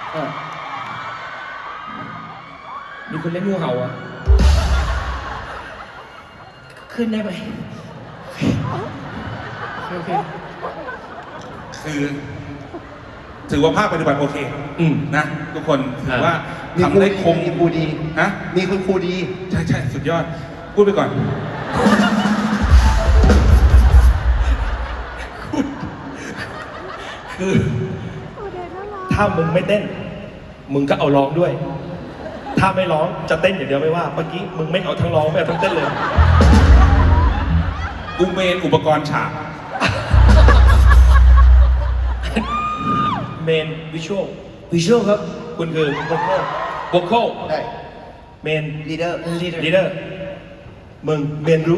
มีคนเล่นงูเห่าอ่ะขึ้นได้ไหมโอเคคือถือว่าภาคปฏิบัติโอเคนะทุกคนถือว่าทำได้คมมีครูดีฮะมีคุณครูดีใช่สุดยอดพูดไปก่อนคือถ้ามึงไม่เต้นมึงก็เอาร้องด้วยถ้าไม่ร้องจะเต้นอย่างเดียวไม่ว่าเมื่อกี้มึงไม่เอาทั้งร้องไม่เอาทั้งเต้นเลยกูเมนอุปกรณ์ฉากเมนวิชวลครับคุณคือโวคอลได้เมนลีดเดอร์มึงเมนรู้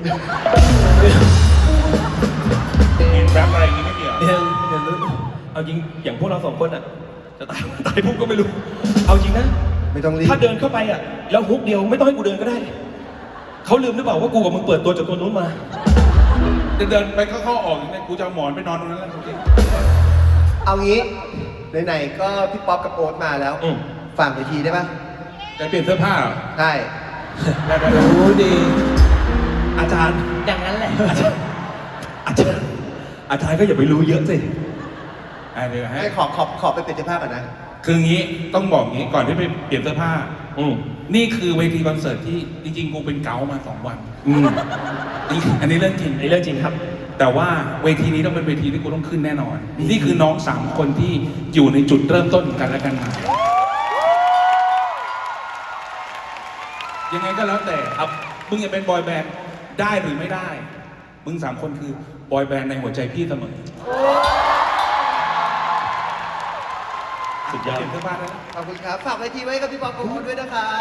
เมนแรปอะไรอย่างงี้ไม่มีเหรอเมนรู้เอาจริงอย่างพวกเราสองคนอ่ะจะตายปุ๊บก็ไม่รู้เอาจริงนะไม่ต้องรีบถ้าเดินเข้าไปอ่ะแล้วฮุกเดียวไม่ต้องให้กูเดินก็ได้เขาลืมหรือเปล่าว่ากูกับมึงเปิดตัวจากตัวนู้นมาเดินไปเข้าออกอย่างนี้กูจะเอาหมอนไปนอนตรงนั้นแล้วเอางี้ไหนๆก็พี่ป๊อปกับโอ๊ตมาแล้วฝั่งเวทีได้ปะจะเปลี่ยนเสื้อผ้าเหรอใช่ได้รู้ดีอาจารย์อย่างนั้นแหละอาจารย์ก็อย่าไปรู้เยอะสิเดี๋ยวให้ขอไปเปลี่ยนเสื้อผ้าก่อนนะคืองี้ต้องบอกงี้ก่อนที่ไปเปลี่ยนเสื้อผ้านี่คือเวทีคอนเสิร์ตที่จริงๆกูเป็นเกามา2 วันอันนี้เรื่องจริงเรื่องจริงครับแต่ว่าเวทีนี้ต้องเป็นเวทีที่กูต้องขึ้นแน่นอนนี่คือน้อง3 คนที่อยู่ในจุดเริ่มต้นกันและกันมายังไงก็แล้วแต่ครับมึงจะเป็นบอยแบนด์ได้หรือไม่ได้มึง3 คนคือบอยแบนด์ในหัวใจพี่เสมอสุดยอดเสื้อผ้าแล้วขอบคุณครับฝากเวทีไว้กับพี่ป๊อปกับโอ๊ตด้วยนะครับ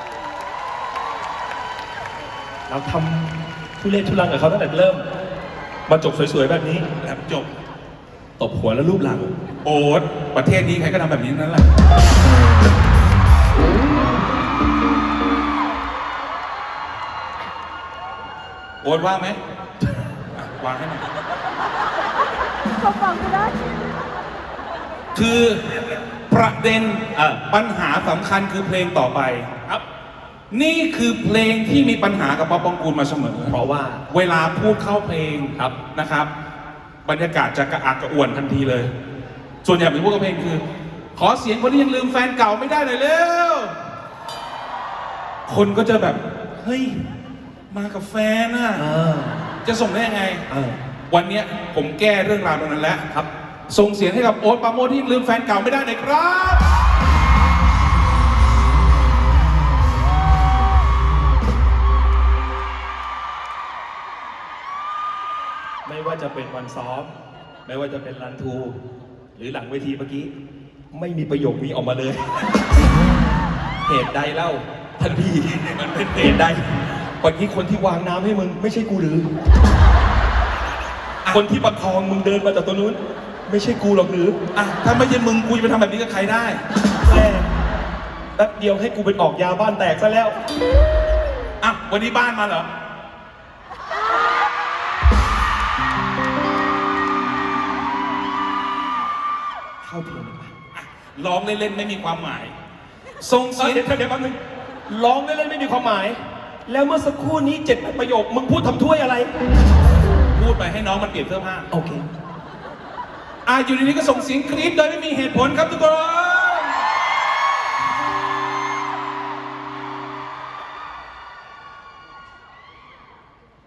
เราทำทุเรศทุรังกับเขาตั้งแต่เริ่มมาจบสวยๆแบบนี้แล้วจบตบหัวแล้วรูปหลังโอ๊ตประเทศนี้ใครก็ทำแบบนี้นั่นแหละโอ๊ตว่างไหมวางให้หน่อยเขาฟังไม่ได้คือประเด็นปัญหาสำคัญคือเพลงต่อไปครับนี่คือเพลงที่มีปัญหากับป๊อปปองกูลมาเสมอเพราะว่าเวลาพูดเข้าเพลงครับนะครับบรรยากาศจะกระอักกระอ่วนทันทีเลยส่วนใหญ่เป็นพวกกับเพลงคือขอเสียงคนที่ยังลืมแฟนเก่าไม่ได้หน่อยเร็วคนก็จะแบบเฮ้ยมากับแฟนน่ะจะส่งได้ยังไงวันนี้ผมแก้เรื่องราวตรงนั้นแล้วครับส่งเสียงให้กับโอ๊ตปราโมชที่ลืมแฟนเก่าไม่ได้เลยครับไม่ว่าจะเป็นวันซ้อมไม่ว่าจะเป็นรันทูหรือหลังเวทีเมื่อกี้ไม่มีประโยคนี้ออกมาเลยเหตุใดเล่าท่านพี่มันเป็นเหตุใดวันนี้คนที่วางน้ำให้มึงไม่ใช่กูหรือคนที่ประคองมึงเดินมาจากตัวนู้นไม่ใช่กูหรอกหรือถ้าไม่ใช่มึงกูจะไปทำแบบนี้กับใครได้แป๊บเดียวให้กูเป็นออกยาบ้านแตกซะแล้ววันนี้บ้านมาเหรอเข้าเพลงไปร้องเล่นๆไม่มีความหมายส่งเสียงเดี๋ยวแป๊บนึงร้องเล่นๆไม่มีความหมายแล้วเมื่อสักครู่นี้7 ประโยคมึงพูดทำถ้วยอะไรพูดไปให้น้องมันเปลี่ยนเสื้อผ้าโอเคอยู่ในนี้ก็ส่งเสียงกรี๊ดโดยไม่มีเหตุผลครับทุกคน